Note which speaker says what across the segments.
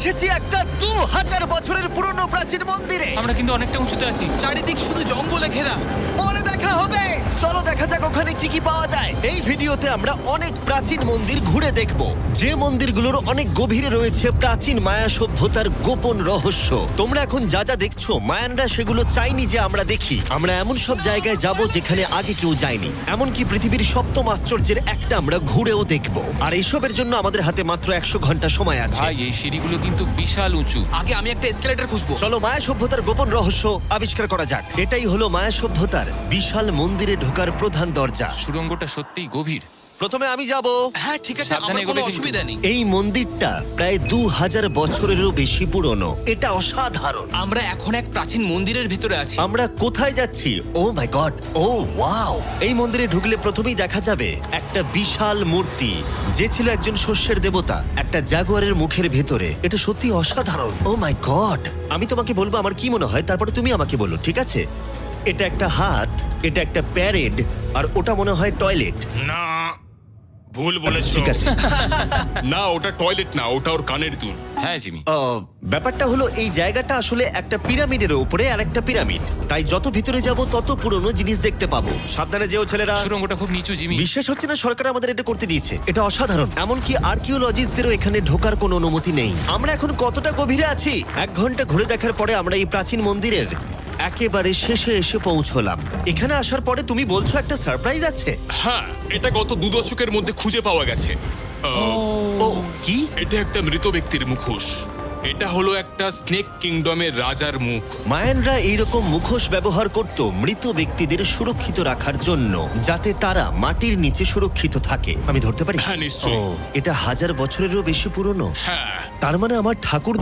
Speaker 1: এসেছি একটা 2000 বছরের পুরনো প্রাচীন মন্দিরে।
Speaker 2: আমরা কিন্তু অনেকটা উঁচুতে আছি।
Speaker 3: চারিদিক শুধু জঙ্গলে ঘেরা।
Speaker 1: পরে দেখা হবে। চলো দেখা যাক ওখানে কি কি পাওয়া যায়। এই ভিডিওতে আমরা অনেক প্রাচীন মন্দির ঘুরে দেখব, যে মন্দিরগুলোর অনেক গভীরে রয়েছে প্রাচীন মায়া সভ্যতার গোপন রহস্য। তোমরা এখন যা যা দেখছো, মায়ানরা সেগুলো চাইনি যে আমরা দেখি। আমরা এমন সব জায়গায় যাব যেখানে আগে কেউ যায়নি, এমনকি পৃথিবীর সপ্তম আশ্চর্যের একটা আমরা ঘুরেও দেখব। আর এইসবের জন্য আমাদের হাতে মাত্র 100 ঘন্টা সময় আছে।
Speaker 2: ভাই এই সিঁড়িগুলো কিন্তু বিশাল উঁচু।
Speaker 3: আগে আমি একটা এসকেলেটর খুঁজবো।
Speaker 1: চলো মায়া সভ্যতার গোপন রহস্য আবিষ্কার করা যাক। এটাই হলো মায়া সভ্যতার বিশাল মন্দিরে ঢোকার প্রধান দরজা।
Speaker 2: সুড়ঙ্গটা সত্যিই গভীর।
Speaker 1: প্রথমে আমি যাব।
Speaker 3: হ্যাঁ ঠিক আছে,
Speaker 2: সাবধানে
Speaker 3: আমার কোনো
Speaker 2: এগোবে কিন্তু।
Speaker 3: অসুবিধা নেই।
Speaker 1: এই মন্দিরটা প্রায় 2000 বছরেরও বেশি পুরনো। এটা অসাধারণ।
Speaker 3: আমরা এখন এক প্রাচীন মন্দিরের ভিতরে আছি।
Speaker 1: আমরা কোথায় যাচ্ছি? Oh my god, oh wow! এই মন্দিরে ঢুকলে প্রথমেই দেখা যাবে একটা বিশাল মূর্তি, যে ছিল একজন শস্যের দেবতা, একটা জাগুয়ারের মুখের ভেতরে। এটা সত্যি অসাধারণ। Oh my god! আমি তোমাকে বলবো আমার কি মনে হয়, তারপরে তুমি আমাকে বলো, ঠিক আছে? এটা একটা হাত, এটা একটা প্যারেড, আর ওটা মনে হয় টয়লেট।
Speaker 4: না, ভুল বলেছো।
Speaker 1: ঠিক আছে।
Speaker 4: না, ওটা টয়লেট না, ওটা ওর কানের দুল।
Speaker 2: হ্যাঁ জিমি।
Speaker 1: ব্যাপারটা হলো এই জায়গাটা আসলে একটা পিরামিডের উপরে আর একটা পিরামিড, তাই যত ভিতরে যাব তত পুরনো জিনিস দেখতে পাবো। সাবধানে যেও ছেলেরা।
Speaker 2: সুড়ঙ্গটা খুব নিচু জিমি।
Speaker 1: বিশ্বাস হচ্ছে না সরকার আমাদের এটা করতে দিয়েছে। এটা অসাধারণ। এমনকি আর্কিওলজিস্টদেরও এখানে ঢোকার কোনো অনুমতি নেই। আমরা এখন কতটা গভীরে আছি? 1 ঘন্টা ঘুরে দেখার পরে আমরা এই প্রাচীন মন্দিরের একেবারে শেষে এসে পৌঁছলাম। এখানে আসার পরে তুমি বলছো একটা সারপ্রাইজ আছে।
Speaker 4: হ্যাঁ, এটা গত 2 দশকের মধ্যে খুঁজে পাওয়া গেছে।
Speaker 1: ও কি?
Speaker 4: এটা একটা মৃত ব্যক্তির মুখোশ। এটা হলো একটা স্নেক কিংডমের রাজার মুখ।
Speaker 1: মায়ানরা এইরকম মুখোশ ব্যবহার করত মৃত ব্যক্তিদের সুরক্ষিত রাখার জন্য, যাতে তারা মাটির নিচে সুরক্ষিত থাকে। আমি ধরতে পারি?
Speaker 4: হ্যাঁ, নিশ্চয়ই।
Speaker 1: ও, এটা 1000 বছরেরও বেশি পুরনো।
Speaker 4: হ্যাঁ,
Speaker 1: তার মানে আমার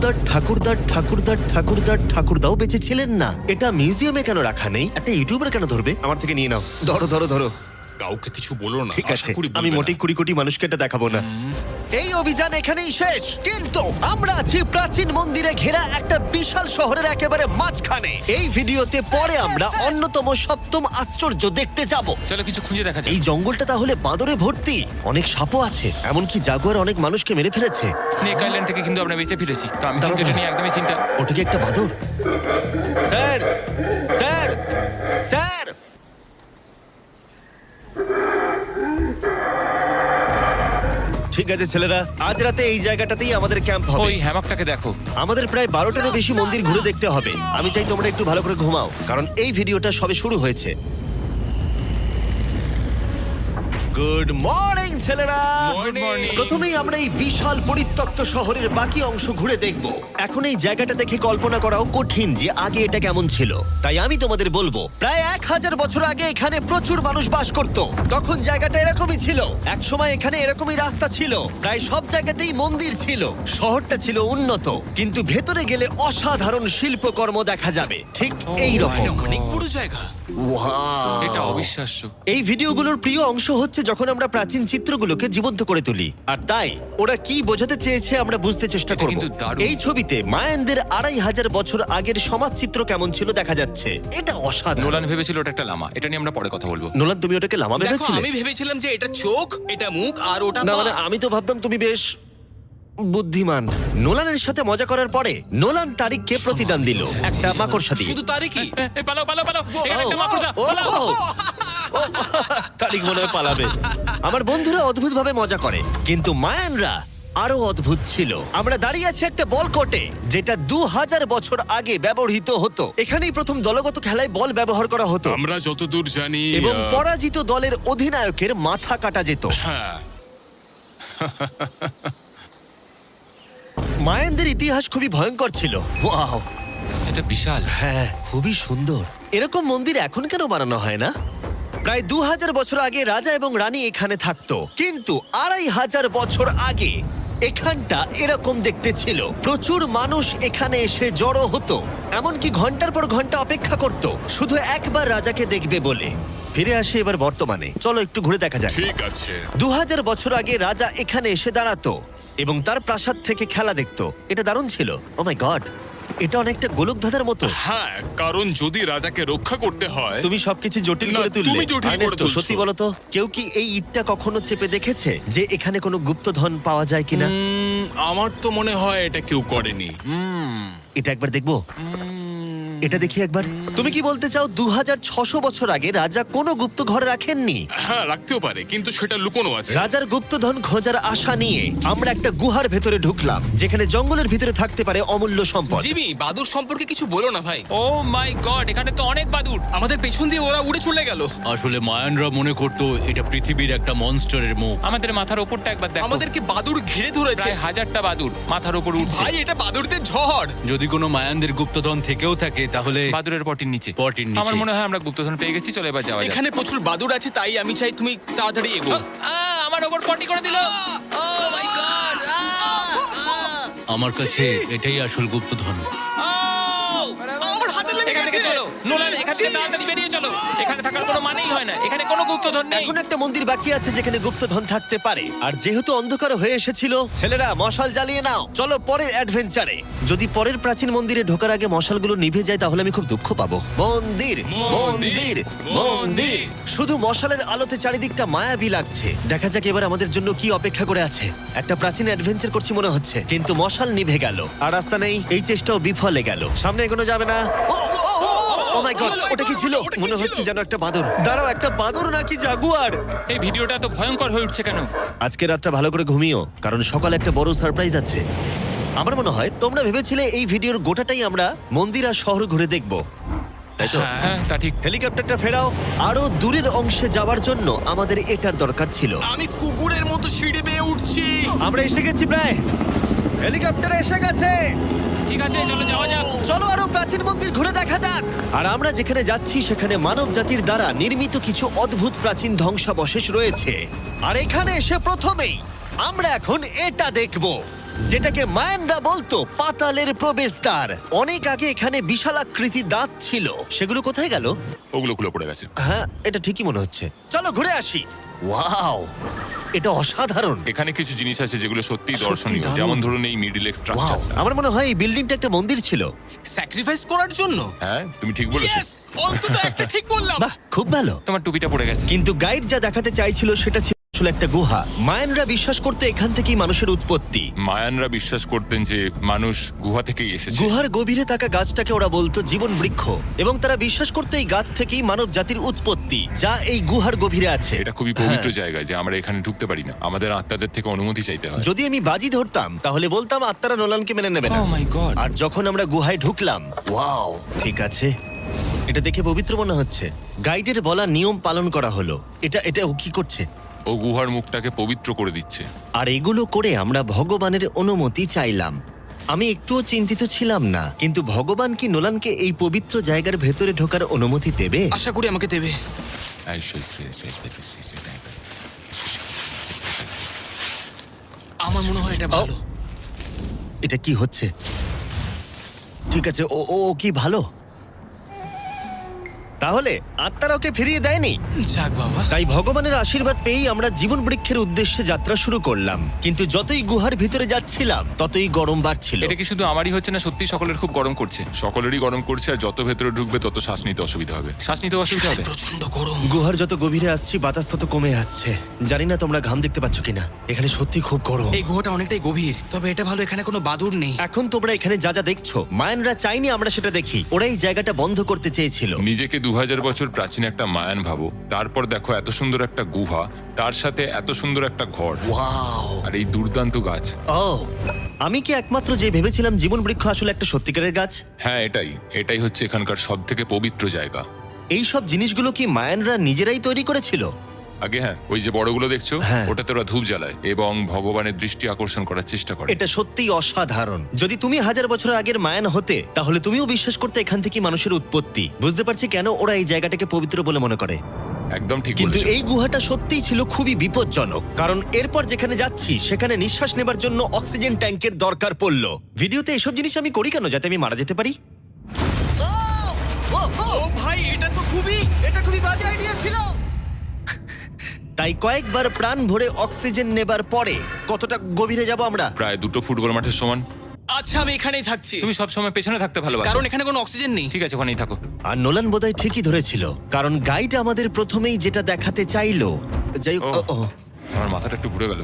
Speaker 1: ঠাকুরদাও বেঁচে ছিলেন না। এটা মিউজিয়ামে কেন রাখা নেই? একটা ইউটিউবার কেন ধরবে? আমার থেকে নিয়ে নাও। ধরো ধরো ধরো।
Speaker 4: কাউকে কিছু বলো না।
Speaker 1: ঠিক
Speaker 4: আশা
Speaker 1: আছে,
Speaker 4: করি
Speaker 1: আমি
Speaker 4: বলবে
Speaker 1: মোটেই
Speaker 4: না।
Speaker 1: 20 কোটি মানুষকে এটা দেখাবো না। এই অভিযান এখানেই শেষ, কিন্তু আমরা আছি প্রাচীন মন্দিরে ঘেরা একটা বিশাল শহরের একেবারে মাঝখানে। এই ভিডিওতে পরে আমরা অন্যতম সপ্তম আশ্চর্য দেখতে যাব।
Speaker 2: চলো কিছু খুঁজে দেখা যাক।
Speaker 1: এই জঙ্গলটা তাহলে বাঁদরে ভর্তি, অনেক সাপও আছে, এমনকি জাগুয়ার অনেক মানুষকে মেরে ফেলেছে।
Speaker 2: স্নেক আইল্যান্ড থেকে কিন্তু আমরা বেঁচে ফিরেছি, তো আমি
Speaker 1: দাঁড়াও,
Speaker 2: কিন্তু এটা
Speaker 1: দাঁড়াও।
Speaker 2: নিয়ে একদমই চিন্তা।
Speaker 1: ওটা কি একটা বাঁদর? Sir, sir, sir! ঠিক আছে ছেলেরা, আজ রাতে এই জায়গাটাতেই আমাদের ক্যাম্প হবে।
Speaker 2: ওই হ্যামাকটাকে দেখো।
Speaker 1: আমাদের প্রায় 12টারও বেশি মন্দির ঘুরে দেখতে হবে। আমি চাই তোমরা একটু ভালো করে ঘুমাও, কারণ এই ভিডিওটা সবে শুরু হয়েছে। গুড মর্নিং ছেলেরা।
Speaker 2: Good morning.
Speaker 1: প্রথমেই আমরা এই বিশাল পরিত্যক্ত শহরের বাকি অংশ ঘুরে দেখব। এখন এই জায়গাটা দেখে কল্পনা করাও কঠিন যে আগে এটা কেমন ছিল, তাই আমি তোমাদের বলবো প্রায় 1000 বছর আগে এখানে প্রচুর মানুষ বাস করত। তখন জায়গাটা এরকমই ছিল। এক সময় এখানে এরকমই রাস্তা ছিল, প্রায় সব জায়গাতেই মন্দির ছিল। শহরটা ছিল উন্নত, কিন্তু ভেতরে গেলে অসাধারণ শিল্পকর্ম দেখা যাবে, ঠিক এই রকম।
Speaker 3: এটা অনেক বড় জায়গা।
Speaker 2: এটা অবিশ্বাস্য।
Speaker 1: এই ভিডিওগুলোর প্রিয় অংশ হচ্ছে যখন আমরা প্রাচীন চিত্রগুলোকে জীবন্ত করে তুলি, আর তাই ওরা কি বোঝাতে চেয়েছে আমরা বুঝতে চেষ্টা
Speaker 2: এটা
Speaker 1: করব।
Speaker 2: কিন্তু দারুণ।
Speaker 1: এই ছবিতে মায়ানদের 2500 বছর আগের সমাজ চিত্র কেমন ছিল দেখা যাচ্ছে। এটা অসাধারণ।
Speaker 2: নোলান ভেবেছিল ওটা একটা লামা। এটা নিয়ে আমরা পরে কথা বলবো।
Speaker 1: নোলান, তুমি ওটাকে লামা
Speaker 3: দেখো,
Speaker 1: ভেবেছিলে?
Speaker 3: আমি ভেবেছিলাম যে এটা চোখ, এটা মুখ, আর ওটা
Speaker 1: না
Speaker 3: পা।
Speaker 1: মানে আমি তো ভাবতাম তুমি বেশ বুদ্ধিমান। নোলানের সাথে মজা করার পরে নোলান তারিখকে প্রতিদান দিল একটা মাকড়সা দিয়ে।
Speaker 3: শুধু তারই কি?
Speaker 2: পালাও পালাও পালাও, এখানে একটা মাকড়সা।
Speaker 1: ও,
Speaker 2: পালাও।
Speaker 1: ও, তারিখ মনে হয় পালাবে। আমার বন্ধুরা অদ্ভুত ভাবে মজা করে, কিন্তু মায়ানরা আরো অদ্ভুত ছিল। আমরা দাঁড়িয়ে আছি একটা বল কোর্টে, যেটা 2000 বছর আগে ব্যবহৃত হতো। এখানেই প্রথম দলগত খেলায় বল ব্যবহার করা হতো,
Speaker 4: আমরা যতদূর জানি
Speaker 1: এবং পরাজিত দলের অধিনায়কের মাথা কাটা যেত।
Speaker 4: হ্যাঁ,
Speaker 1: মায়ানদের ইতিহাস খুবই ভয়ঙ্কর ছিল। ওয়াও,
Speaker 2: এটা বিশাল।
Speaker 1: হ্যাঁ, খুবই সুন্দর। এরকম মন্দির এখন কেন বানানো হয় না? প্রায় 2000 বছর আগে রাজা এবং রানী এখানে থাকতো, কিন্তু 2500 বছর আগে এখানটা এরকম দেখতে ছিল। প্রচুর মানুষ এখানে এসে জড়ো হতো, এমনকি ঘন্টার পর ঘন্টা অপেক্ষা করত শুধু একবার রাজাকে দেখবে বলে। ফিরে আসে এবার বর্তমানে, চলো একটু ঘুরে দেখা যাক।
Speaker 4: ঠিক আছে।
Speaker 1: 2000 বছর আগে রাজা এখানে এসে দাঁড়াতো এবং তার প্রাসাদ থেকে খেলা দেখতো। এটা দারুণ ছিল। ও মাই গড, এটা অনেকটা গোলকধাঁধার মতো।
Speaker 4: হ্যাঁ, কারণ যদি রাজাকে রক্ষা করতে হয়।
Speaker 1: তুমি সবকিছু জটিল
Speaker 4: না,
Speaker 1: করে তুললে।
Speaker 4: তুমি জটিল করে
Speaker 1: আর্নেস্টো,
Speaker 4: তুলছো।
Speaker 1: সত্যি বলো তো, কেউ কি এই ইটটা কখনো চেপে দেখেছে যে এখানে কোনো গুপ্তধন পাওয়া যায় কিনা?
Speaker 4: আমার তো মনে হয় এটা কেউ করেনি।
Speaker 1: এটা একবার দেখবো। এটা দেখি একবার। তুমি কি বলতে চাও 2600 বছর আগে রাজা কোনো গুপ্ত ঘর রাখেননি?
Speaker 4: হ্যাঁ, রাখতেও পারে, কিন্তু সেটা লুকোনো আছে।
Speaker 1: রাজার গুপ্তধন খোঁজার আশা নিয়ে আমরা একটা গুহার ভেতরে ঢুকলাম, যেখানে জঙ্গলের ভিতরে থাকতে পারে অমূল্য সম্পদ।
Speaker 3: জিমি, বাদুর সম্পর্কে কিছু বলো না ভাই।
Speaker 2: ও মাই গড, এখানে তো অনেক বাদুর।
Speaker 3: আমাদের পেছন দিয়ে ওরা উড়ে চলে গেল।
Speaker 5: আসলে মায়ানরা মনে করতো এটা পৃথিবীর একটা মনস্টারের মুখ।
Speaker 2: আমাদের মাথার ওপরটা একবার দেখো।
Speaker 3: আমাদেরকে বাদুর ঘিরে ধরেছে।
Speaker 2: প্রায় 1000টা বাদুর মাথার ওপর উঠছে।
Speaker 3: ভাই, এটা বাদুরদের ঝড়।
Speaker 5: যদি কোনো মায়ানদের গুপ্তধন থেকেও থাকে তাহলে
Speaker 2: বাদুরের পটির নিচে।
Speaker 5: পটির নিচে।
Speaker 2: আমার মনে হয় আমরা গুপ্তধন পেয়ে গেছি, চলে এবার যাওয়া যাক।
Speaker 3: এখানে প্রচুর বাদুর আছে, তাই আমি চাই তুমি তাড়াতাড়ি এগো।
Speaker 2: আমার ওপর পটি করে দিল। Oh my god.
Speaker 5: আমার কাছে এটাই আসল গুপ্তধন।
Speaker 3: আমার হাতে লেগে
Speaker 2: এখান থেকে
Speaker 3: গেছে।
Speaker 2: চলো নোলান, এখান থেকে তাড়াতাড়ি বেরিয়ে চলো। এখানে থাকার কোনো মানেই হয় না, এখানে কোনো গুপ্তধন নেই।
Speaker 1: এখন একটা মন্দির বাকি আছে যেখানে গুপ্তধন থাকতে পারে, আর যেহেতু অন্ধকার হয়ে এসেছিল, ছেলেরা মশাল জ্বালিয়ে নাও। চলো পরের অ্যাডভেঞ্চারে। যদি পরের প্রাচীন মন্দিরে ঢোকার আগে মশালগুলো নিভে যায় তাহলে আমি খুব দুঃখ পাবো। মন্দির মন্দির মন্দির, শুধু মশালের আলোতে চারিদিকটা মায়াবী লাগছে। দেখা যাক এবার আমাদের জন্য কি অপেক্ষা করে আছে। একটা প্রাচীন অ্যাডভেঞ্চার করছি মনে হচ্ছে, কিন্তু মশাল নিভে গেল আর রাস্তা নেই। এই চেষ্টাও বিফলে গেল। সামনে এগোনো যাবে না। ও মাই গড, ওটা কি ছিল? মনে হচ্ছে যেন একটা বাদর। দাঁড়াও, একটা বাদর নাকি জাগুয়ার?
Speaker 2: এই ভিডিওটা তো ভয়ঙ্কর হয়ে উঠছে কেন?
Speaker 1: আজকে রাতটা ভালো করে ঘুমিও, কারণ সকালে একটা বড় সারপ্রাইজ আছে। আমার মনে হয় তোমরা ভেবেছিলে এই ভিডিওর গোটাটাই আমরা মন্দির আর শহর ঘুরে দেখব, তাই তো?
Speaker 2: হ্যাঁ, তা ঠিক।
Speaker 1: হেলিকপ্টারটা ফেরাও। আরো দূরের অংশে যাওয়ার জন্য আমাদের এটার দরকার ছিল।
Speaker 3: আমি কুকুরের মতো সিঁড়ি বেয়ে উঠছি।
Speaker 1: আমরা এসে গেছি প্রায়। হেলিকপ্টার এসে গেছে।
Speaker 2: ঠিক আছে, চলো যাওয়া যাক।
Speaker 1: চলো আরো প্রাচীন মন্দির ঘুরে দেখা যাক। আর আমরা যেখানে যাচ্ছি সেখানে মানব জাতির দ্বারা নির্মিত কিছু অদ্ভুত প্রাচীন ধ্বংসাবশেষ রয়েছে। আর এখানে এসে প্রথমেই আমরা এখন এটা দেখব, যেটাকে মায়ানরা বলতো পাতালের প্রবেশদ্বার। অনেক আগে এখানে বিশালাকৃতি দাঁত ছিল, সেগুলো কোথায় গেল?
Speaker 4: ওগুলো খুলে পড়ে গেছে।
Speaker 1: হ্যাঁ, এটা ঠিকই মনে হচ্ছে। চলো ঘুরে আসি। ওয়াও, এটা অসাধারণ।
Speaker 4: এখানে কিছু জিনিস আছে যেগুলো সত্যিই
Speaker 1: সত্যি
Speaker 4: দর্শনীয়,
Speaker 1: দারুণ।
Speaker 4: যেমন ধরুন এই মিডিল
Speaker 1: ওয়াও,
Speaker 4: স্ট্রাকচারটা।
Speaker 1: আমার মনে হয় এই বিল্ডিংটা একটা মন্দির ছিল।
Speaker 3: স্যাক্রিফাইস করার জন্য।
Speaker 4: হ্যাঁ, তুমি ঠিক বলেছো।
Speaker 3: Yes! অন্তত একটা ঠিক বললাম।
Speaker 1: বাহ, খুব ভালো।
Speaker 2: তোমার টুপিটা পড়ে গেছে।
Speaker 1: কিন্তু গাইড যা দেখাতে চাইছিল সেটা ছিল আসলে একটা গুহা। মায়ানরা বিশ্বাস করতে এখান থেকেই মানুষের উৎপত্তি।
Speaker 4: মায়ানরা বিশ্বাস করতেন যে মানুষ গুহা থেকেই এসেছে।
Speaker 1: গুহার গভীরে থাকা গাছটাকে ওরা বলতো জীবন বৃক্ষ, এবং তারা বিশ্বাস করতো এই গাছ থেকেই মানব জাতির উৎপত্তি, যা এই গুহার গভীরে আছে।
Speaker 4: এটা খুবই পবিত্র জায়গা যে আমরা এখানে ঢুকতে পারি না, আমাদের আত্মাদের থেকে অনুমতি চাইতে হয়।
Speaker 1: যদি আমি বাজি ধরতাম তাহলে বলতাম আত্মারা নোলানকে মেনে নেবে না।
Speaker 2: ও মাই গড।
Speaker 1: আর যখন আমরা গুহায় ঢুকলাম, ওয়াও, ঠিক আছে, এটা দেখে পবিত্র মনে হচ্ছে। গাইডের বলা নিয়ম পালন করা হলো। এটা ও কি করছে?
Speaker 4: ও গুহার মুখটাকে পবিত্র করে দিচ্ছে।
Speaker 1: আর এগুলো করে আমরা ভগবানের অনুমতি চাইলাম। আমি একটুও চিন্তিত ছিলাম না, কিন্তু ভগবান কি নোলানকে এই পবিত্র জায়গার ভেতরে ঢোকার অনুমতি দেবে?
Speaker 3: আশা করি আমাকে দেবে। আমার মনে হয় এটা ভালো।
Speaker 1: এটা কি হচ্ছে? ঠিক আছে, ও ও ও কি ভালো? তাহলে আত্মারা ওকে ফিরিয়ে দেয়নি।
Speaker 3: যাক বাবা।
Speaker 1: তাই ভগবানের আশীর্বাদ পেয়েই আমরা জীবন বৃক্ষের উদ্দেশ্যে যাত্রা শুরু করলাম। কিন্তু যতই গুহার ভিতরে যাচ্ছিলাম ততই গরম বাড়ছিল।
Speaker 2: এটা কি শুধু আমারই হচ্ছে না, সত্যি সকলের খুব গরম করছে?
Speaker 4: সকলেরই গরম করছে, আর যত ভেতরে ঢুকবে তত শ্বাস নিতে অসুবিধা হবে।
Speaker 2: শ্বাস নিতে অসুবিধা হবে।
Speaker 3: প্রচন্ড গরম।
Speaker 1: গুহার যত গভীরে আসছি বাতাস তত কমে আসছে। জানি না তোমরা ঘাম দেখতে পাচ্ছ কিনা, এখানে সত্যি খুব গরম।
Speaker 3: এই গুহাটা অনেকটাই গভীর, তবে এটা ভালো এখানে কোনো বাদুর নেই।
Speaker 1: এখন তোমরা এখানে যা যা দেখছো, মায়ানরা চাইনি আমরা সেটা দেখি। ওরা এই জায়গাটা বন্ধ করতে চেয়েছিল।
Speaker 4: নিজেকে 2000 বছর প্রাচীন একটা মায়ান ভাবো, তারপর দেখো এত সুন্দর একটা গুহা, তার সাথে এত সুন্দর একটা ঘর,
Speaker 1: ওয়াও,
Speaker 4: আর এই দুর্দান্ত গাছ।
Speaker 1: ও, আমি কি একমাত্র যে ভেবেছিলাম জীবন বৃক্ষ আসলে একটা সত্যিকারের গাছ?
Speaker 4: হ্যাঁ, এটাই হচ্ছে এখানকার সব থেকে পবিত্র জায়গা।
Speaker 1: এই সব জিনিসগুলো কি মায়ানরা নিজেরাই তৈরি করেছিল?
Speaker 4: আগে হ্যাঁ, ওই যে বড়গুলো দেখছো,
Speaker 1: হ্যাঁ।
Speaker 4: ওটাতে ওরা ধূপ জ্বালায় এবং ভগবানের দৃষ্টি আকর্ষণ করার চেষ্টা করে।
Speaker 1: এটা সত্যিই অসাধারণ। যদি তুমি 1000 বছর আগের মায়ান হতে, তাহলে তুমিও বিশ্বাস করতে এখান থেকে মানুষের উৎপত্তি। বুঝতে পারছি কেন ওরা এই জায়গাটাকে পবিত্র বলে মনে করে।
Speaker 4: একদম ঠিক
Speaker 1: কিন্তু
Speaker 4: বলেছো।
Speaker 1: এই গুহাটা সত্যিই ছিল খুবই বিপজ্জনক, কারণ এরপর যেখানে যাচ্ছি সেখানে নিঃশ্বাস নেবার জন্য অক্সিজেন ট্যাঙ্কের দরকার পড়লো। ভিডিওতে এসব জিনিস আমি করি কেন? যাতে আমি মারা যেতে পারি?
Speaker 3: ও ভাই, এটা তো
Speaker 1: এটা খুবই বাজে আইডিয়া ছিল। তাই কয়েকবার প্রাণ ভরে অক্সিজেন নেবার পরে কতটা গভীরে যাব আমরা?
Speaker 4: প্রায় 2 ফুটবল মাঠের সমান।
Speaker 3: আচ্ছা, আমি এখানেই থাকছি।
Speaker 2: তুমি সবসময় পেছনে থাকতে ভালোবাসো।
Speaker 3: কারণ এখানে কোনো অক্সিজেন নেই।
Speaker 2: ঠিক আছে, ওখানেই থাকো।
Speaker 1: আর নোলান বোধহয় ঠিকই ধরেছিল, কারণ গাইড আমাদের প্রথমেই যেটা দেখাতে চাইলো। যাই হোক,
Speaker 2: ও।
Speaker 1: ও, ও,
Speaker 4: আমার মাথাটা একটু ঘুরে গেল।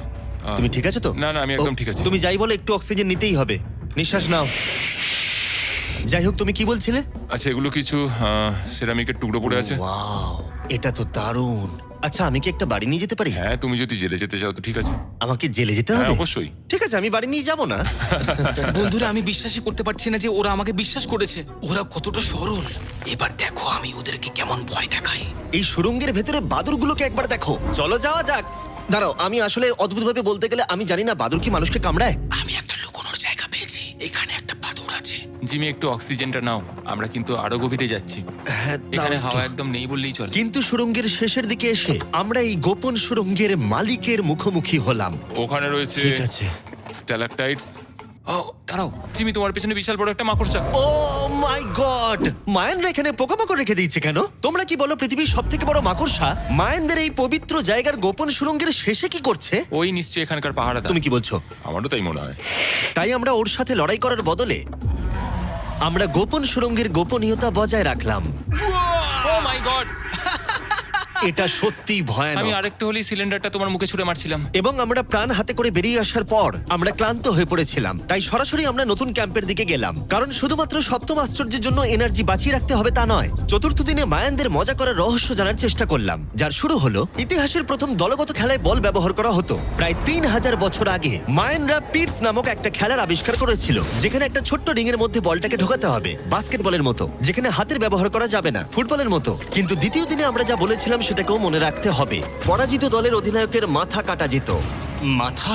Speaker 1: তুমি ঠিক আছো তো?
Speaker 4: না, না, আমি একদম ঠিক আছি।
Speaker 1: তুমি যাই বলো, একটু অক্সিজেন নিতেই হবে। নিঃশ্বাস নাও। যাই হোক, তুমি কি বলছিলে?
Speaker 4: আচ্ছা, এগুলো কিছু সেরামিকের টুকরো পড়ে আছে।
Speaker 1: ওয়াও, এটা তো দারুণ। আচ্ছা, আমি কি একটা বাড়ি নিয়ে যেতে পারি?
Speaker 4: হ্যাঁ, তুমি যদি জেলে যেতে চাও তো ঠিক আছে।
Speaker 1: আমাকে জেলে যেতে
Speaker 4: হ্যাঁ,
Speaker 1: হবে?
Speaker 4: অবশ্যই।
Speaker 1: ঠিক আছে, আমি বাড়ি নিয়ে যাব না।
Speaker 3: বন্ধুরা, আমি বিশ্বাসই করতে পারছি না যে ওরা আমাকে বিশ্বাস করেছে। ওরা কতটা সরল। এবার দেখো আমি ওদেরকে কেমন ভয় দেখাই।
Speaker 1: এই সুড়ঙ্গের ভেতরে বাদুরগুলোকে একবার দেখো। চলো যাওয়া যাক। দাঁড়াও, আমি আসলে অদ্ভুতভাবে বলতে গেলে আমি জানি না বাদুর কি মানুষকে কামড়ায়।
Speaker 3: আমি একটা লুকোনোর জায়গা পেয়েছি। এখানে একটা বাদুড় আছে।
Speaker 2: জিমি, একটু অক্সিজেনটা নাও, আমরা কিন্তু আরো গভীরে যাচ্ছি।
Speaker 1: হ্যাঁ, দাও
Speaker 2: এখানে
Speaker 1: একটু।
Speaker 2: হাওয়া একদম নেই বললেই চলে।
Speaker 1: কিন্তু সুড়ঙ্গের শেষের দিকে এসে আমরা এই গোপন সুড়ঙ্গের মালিকের মুখোমুখি হলাম।
Speaker 4: ওখানে রয়েছে
Speaker 1: ঠিক আছে।
Speaker 4: স্ট্যালাকটাইটস।
Speaker 2: ও দাঁড়াও, জিমি, তোমার পেছনে বিশাল বড় একটা মাকড়সা।
Speaker 1: ও মাই গড! মায়ানরা এখানে পোকামাকড় রেখে দিয়েছে কেন? তোমরা কি বলো, পৃথিবীর সবথেকে বড় মাকড়সা মায়ানদের এই পবিত্র জায়গার গোপন সুড়ঙ্গের শেষে কি করছে?
Speaker 2: ওই নিশ্চয়ই এখানকার পাহাড়া।
Speaker 1: তুমি কি বলছো?
Speaker 4: আমারও তাই মনে হয়।
Speaker 1: তাই আমরা ওর সাথে লড়াই করার বদলে আমরা গোপন সুড়ঙ্গের গোপনীয়তা বজায় রাখলাম।
Speaker 2: Oh my god!
Speaker 1: এটা সত্যিই
Speaker 2: আমি
Speaker 1: ভয়ানক।
Speaker 2: আরেকটু হলেই সিলিন্ডারটা তোমার মুখে ছুঁড়ে মারছিলাম।
Speaker 1: এবং আমরা প্রাণ হাতে করে বেরিয়ে আসার পর আমরা ক্লান্ত হয়ে পড়েছিলাম, তাই সরাসরি আমরা নতুন ক্যাম্পের দিকে গেলাম। কারণ শুধুমাত্র সপ্তম আশ্চর্যের জন্য এনার্জি বাঁচিয়ে রাখতে হবে তা নয়। চতুর্থ দিনে মায়ানদের মজা করার রহস্য জানার চেষ্টা করলাম, যার শুরু হলো ইতিহাসের প্রথম দলগত খেলায় বল ব্যবহার করা হতো। প্রায় 3000 বছর আগে মায়ানরা পিটস নামক একটা খেলার আবিষ্কার করেছিল, যেখানে একটা ছোট্ট রিং এর মধ্যে বলটাকে ঢোকাতে হবে, বাস্কেটবলের মতো, যেখানে হাতের ব্যবহার করা যাবে না, ফুটবলের মতো। কিন্তু দ্বিতীয় দিনে আমরা যা বলেছিলাম সেটাকেও মনে রাখতে হবে। পরাজিত দলের অধিনায়কের মাথা কাটা যেত।
Speaker 3: মাথা?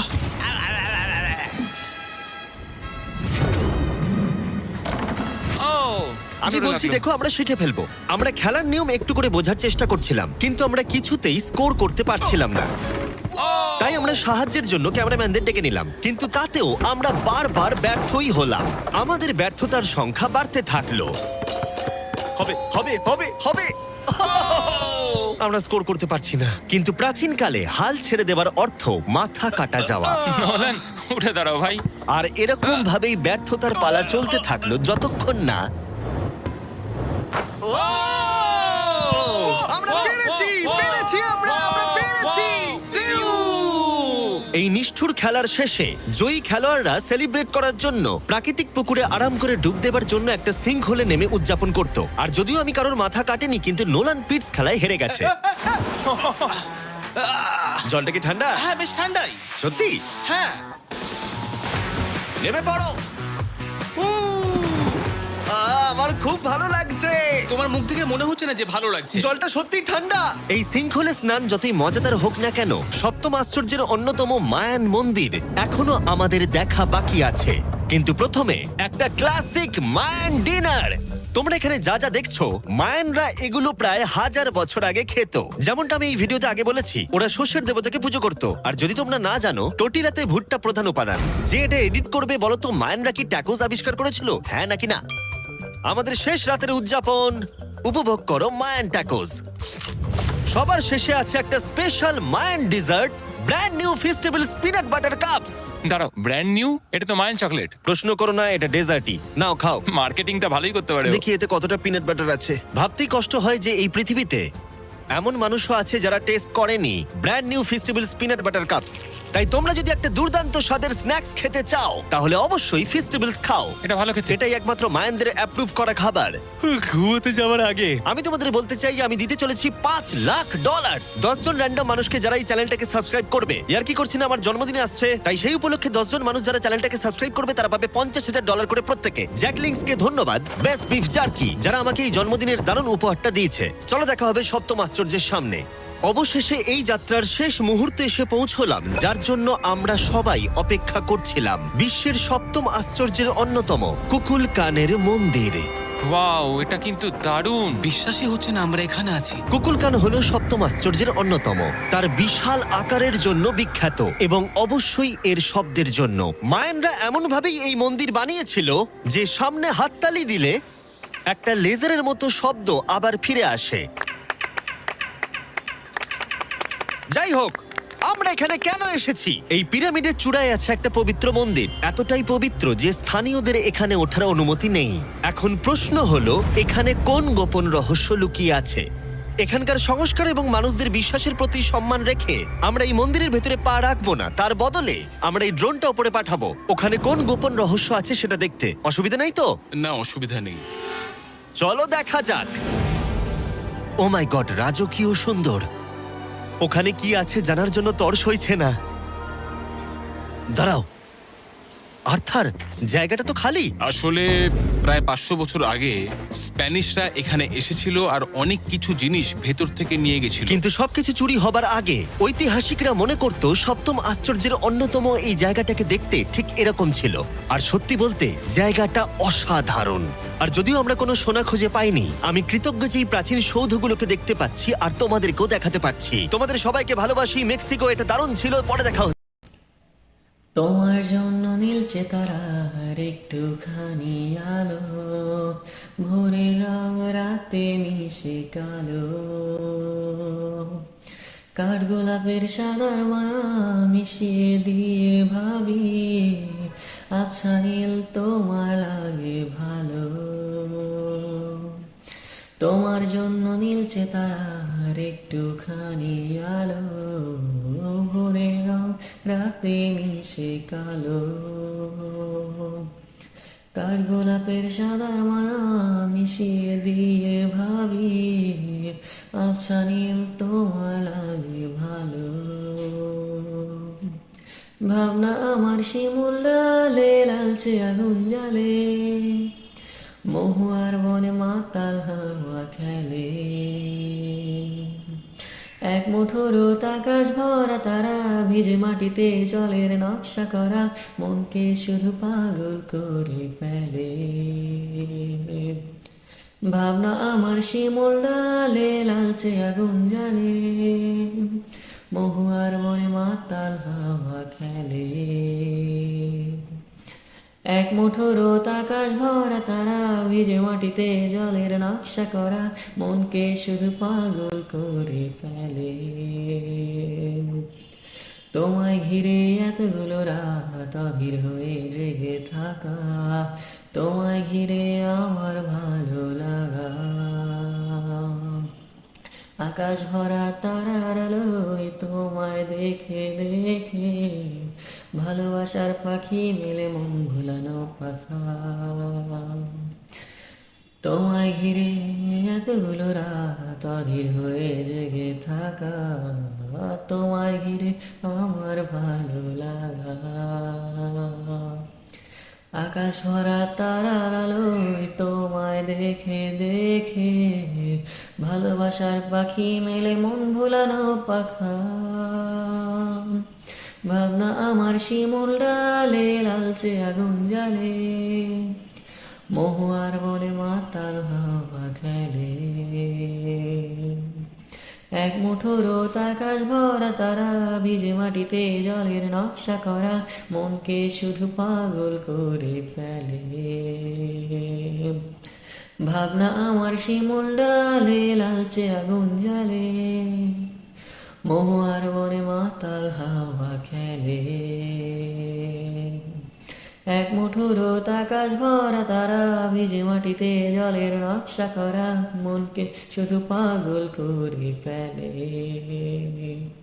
Speaker 2: ও,
Speaker 1: আমি
Speaker 2: জোরে
Speaker 1: বলছি,
Speaker 2: লাগলো।
Speaker 1: দেখো, আমরা শিখে ফেলবো। আমরা খেলার নিয়ম একটু করে বোঝার চেষ্টা করছিলাম, কিন্তু আমরা কিছুতেই স্কোর করতে পারছিলাম না। তাই আমরা সাহায্যের জন্য ক্যামেরাম্যানদের ডেকে নিলাম, কিন্তু তাতেও আমরা বারবার ব্যর্থই হলাম। আমাদের ব্যর্থতার সংখ্যা বাড়তে থাকলো। হবে হবে হবে হবে আমরা স্কোর করতে পারছি না। কিন্তু প্রাচীনকালে হাল ছেড়ে দেওয়ার অর্থ মাথা কাটা যাওয়া।
Speaker 2: নোলান, উঠে দাঁড়াও ভাই।
Speaker 1: আর এরকম ভাবেই ব্যর্থতার পালা চলতে থাকলো যতক্ষণ না আমরা পেরেছি, পেরেছি, আমরা পেরেছি। এই নিষ্ঠুর খেলার শেষে জয়ী খেলোয়াড়রা সেলিব্রেট করার জন্য প্রাকৃতিক পুকুরে আরাম করে ডুব দেবার জন্য একটা সিঙ্ক হোলে নেমে উদযাপন করত। আর যদিও আমি কারোর মাথা কাটেনি, কিন্তু নোলান পিটস খেলায় হেরে গেছে। জলটা কি ঠান্ডা?
Speaker 3: হ্যাঁ, বেশ ঠান্ডাই।
Speaker 1: সত্যি?
Speaker 3: হ্যাঁ।
Speaker 1: নেমে পড়ো। আমার খুব ভালো লাগছে।
Speaker 3: তোমার মুখ থেকে মনে হচ্ছে না যে ভালো লাগছে।
Speaker 1: জলটা সত্যি ঠান্ডা। এই সিঙ্কহোলে স্নান যতই মজাদার হোক না কেন, সপ্তম আশ্চর্যের অন্যতম মায়ান মন্দির এখনো আমাদের দেখা বাকি আছে। কিন্তু প্রথমে একটা ক্লাসিক মায়ান ডিনার। তোমরা এখানে যা যা দেখছো, মায়ানরা এগুলো প্রায় 1000 বছর আগে খেত। যেমনটা আমি এই ভিডিওতে আগে বলেছি, ওরা শস্যের দেবতাকে পুজো করত। আর যদি তোমরা না জানো, টোটিলাতে ভুট্টা প্রধান উপাদান। যে এটা এডিট করবে বলো তো, মায়ানরা কি ট্যাকোস আবিষ্কার করেছিল, হ্যাঁ নাকি না? আমাদের শেষ রাতের উদযাপন উপভোগ করো মায়ান ট্যাকোস। সবার শেষে আছে একটা special Mayan dessert, brand new festival peanut butter cups.
Speaker 2: দাঁড়াও, ব্র্যান্ড নিউ? এটা তো মায়ান চকলেট।
Speaker 1: প্রশ্ন করো না, এটা ডেজার্টই। নাও খাও।
Speaker 2: মার্কেটিংটা ভালোই করতে পারে ও।
Speaker 1: দেখি এতে কতটা পিনাট বাটার আছে। ভাবতেই কষ্ট হয় যে এই পৃথিবীতে এমন মানুষও আছে যারা টেস্ট করেনি brand new festival peanut butter cups. তাই তোমরা যদি একটা দুর্দান্ত স্বাদের স্ন্যাক্স খেতে চাও, তাহলে অবশ্যই ফেস্টিভ্যালস খাও।
Speaker 2: এটা ভালো খেতে।
Speaker 1: এটাই একমাত্র মায়ানদের অ্যাপ্রুভ করা খাবার। ঘুমোতে যাওয়ার আগে আমি তোমাদের বলতে চাই যে আমি দিতে চলেছি $5 লাখ। 10 জন র্যান্ডম মানুষকে যারা এই চ্যানেলটাকে সাবস্ক্রাইব করবে। ইয়ার কি করছি না, আমার জন্মদিনে আসছে, তাই সেই উপলক্ষে 10 জন মানুষ যারা চ্যানেলটাকে সাবস্ক্রাইব করবে তারা পাবে $50,000 করে প্রত্যেকে। জ্যাকলিংসকে ধন্যবাদ, বেস্ট বিফ জার্কি, যারা আমাকে এই জন্মদিনের দারুণ উপহারটা দিয়েছে। চলো দেখা হবে সপ্তম আশ্চর্যের সামনে। অবশেষে এই যাত্রার শেষ মুহূর্তে এসে পৌঁছলাম, যার জন্য আমরা সবাই অপেক্ষা করছিলাম। বিশ্বের সপ্তম আশ্চর্যের অন্যতম কুকুলকানের মন্দির।
Speaker 2: ওয়াও, এটা কিন্তু দারুণ।
Speaker 3: বিশ্বাসই হচ্ছে না আমরা এখানে আছি।
Speaker 1: কুকুলকান হলো সপ্তম আশ্চর্যের অন্যতম। তার বিশাল আকারের জন্য বিখ্যাত এবং অবশ্যই এর শব্দের জন্য। মায়ানরা এমন ভাবেই এই মন্দির বানিয়েছিল যে সামনে হাততালি দিলে একটা লেজারের মতো শব্দ আবার ফিরে আসে। যাই হোক, আমরা এখানে কেন এসেছি? এই পিরামিডের চূড়ায় আছে একটা পবিত্র মন্দির, এতটাই পবিত্র যে স্থানীয়দের এখানে ওঠার অনুমতি নেই। এখন প্রশ্ন হলো, এখানে কোন গোপন রহস্য লুকিয়ে আছে? এখানকার সংস্কার এবং মানুষদের বিশ্বাসের প্রতি সম্মান রেখে আমরা এই মন্দিরের ভেতরে পা রাখবো না, তার বদলে আমরা এই ড্রোনটা উপরে পাঠাবো ওখানে কোন গোপন রহস্য আছে সেটা দেখতে। অসুবিধা নেই তো?
Speaker 3: না, অসুবিধা নেই।
Speaker 1: চলো দেখা যাক। ও মাই গড, রাজকীয় সুন্দর। ওখানে কি আছে জানার জন্য তর সইছে না। দাঁড়াও, আর্থার, জায়গাটা তো খালি।
Speaker 3: আসলে প্রায় 500 বছর আগে স্প্যানিশরা এখানে এসেছিল আর অনেক কিছু জিনিস ভেতর থেকে নিয়ে গেছিল।
Speaker 1: কিন্তু সবকিছু চুরি হবার আগে ঐতিহাসিকরা মনে করত সপ্তম আশ্চর্যের অন্যতম এই জায়গাটাকে দেখতে ঠিক এরকম ছিল। আর সত্যি বলতে জায়গাটা অসাধারণ। আর যদিও আমরা কোনো সোনা খুঁজে পাইনি, আমি কৃতজ্ঞ যে এই প্রাচীন সৌধগুলোকে দেখতে পাচ্ছি আর তোমাদেরকেও দেখাতে পারছি। তোমাদের সবাইকে ভালোবাসি। মেক্সিকো, এটা দারুণ ছিল। পরে দেখা হচ্ছে।
Speaker 6: তোমার জন্য নীলচে তারার একটুখানি আলো, ভোরের রং রাতে মিশে কালো, কাঠগোলাপের সাদার মায়া মিশিয়ে দিয়ে ভাবি আবছা নীল তোমার লাগে ভালো। তোমার জন্য নীলচে তারার একটুখানি আলো, ভোরের রং রাতে মিশে কালো, কাঠগোলাপের সাদার মায়া মিশিয়ে দিয়ে ভাবি আবছা নীল তোমার লাগে ভালো। ভাবনা আমার শিমুল ডালে লালচে আগুন জ্বালে, মহুয়ার বনে মাতাল হাওয়া খেলে, এক মুঠো রোদ আকাশ ভরা তারা, ভিজে মাটিতে জলের নকশা করা, মনকে শুধু পাগল করে ফেলে। ভাবনা আমার শিমুল ডালে লালচে আগুন জ্বালে, মহুয়ার বনে মাতাল হাওয়া খেলে, এক মুঠো রোদ আকাশ ভরা তারা, ভিজে মাটিতে জলের নকশা করা, মনকে শুধু পাগল করে ফেলে। তোমায় ঘিরে এতগুলো রাত অধীর হয়ে জেগে থাকা, তোমায় ঘিরে আমার ভালো লাগা, আকাশ ভরা তারার আলোয় তোমায় দেখে দেখে ভালোবাসার পাখি মেলে মন ভুলানো পাখা। তোমায় ঘিরে এতগুলো রাত অধীর হয়ে জেগে থাকা, তোমায় ঘিরে আমার ভালো লাগা, আকাশ ভরা তারার আলোয় তোমায় দেখে দেখে ভালোবাসার পাখি মেলে মন ভুলানো পাখা। ভাবনা আমার শিমুল ডালে লালচে আগুন জ্বালে, মহুয়ার বনে মাতাল হাওয়া খেলে, এক মুঠো রোদ আকাশ ভরা তারা, ভিজে মাটিতে জলের নকশা করা, মনকে শুধু পাগল করে ফেলে। ভাবনা আমার শিমুল ডালে লালচে আগুন জ্বালে, মহুয়ার বনে মাতাল হাওয়া খেলে, এক মুঠো রোদ আকাশ ভরা তারা, ভিজে মাটিতে জলের নকশা করা, মনকে শুধু পাগল করে ফেলে।